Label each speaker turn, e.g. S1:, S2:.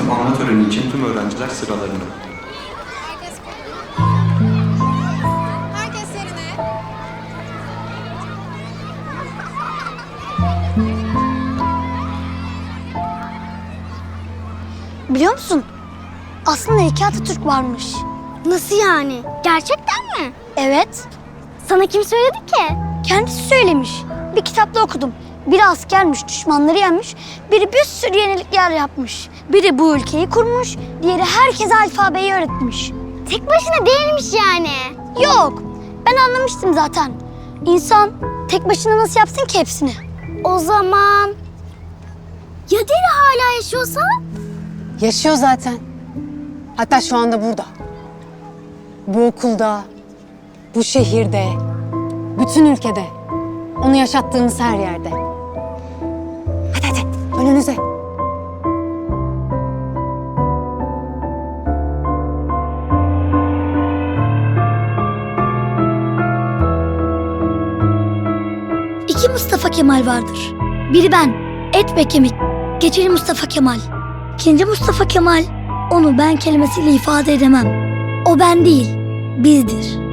S1: tamamlama töreni için tüm öğrenciler sıralarında.
S2: Herkes yerine.
S3: Biliyor musun? Aslında iki Atatürk varmış.
S4: Nasıl yani? Gerçekten mi?
S3: Evet.
S4: Sana kim söyledi ki?
S3: Kendisi söylemiş. Bir kitapta okudum. Biri askermiş, düşmanları yenmiş. Biri bir sürü yenilikler yapmış. Biri bu ülkeyi kurmuş. Diğeri herkese alfabeyi öğretmiş.
S4: Tek başına değilmiş yani.
S3: Yok. Ben anlamıştım zaten. İnsan tek başına nasıl yapsın ki hepsini?
S4: O zaman... Ya Deri hala yaşıyorsa?
S5: Yaşıyor zaten. Hatta şu anda burada. Bu okulda, bu şehirde, bütün ülkede. Onu yaşattığımız her yerde. Hadi hadi, önünüze.
S3: İki Mustafa Kemal vardır. Biri ben, et ve kemik. Geçeli Mustafa Kemal. İkinci Mustafa Kemal, onu ben kelimesiyle ifade edemem. O ben değil, bizdir.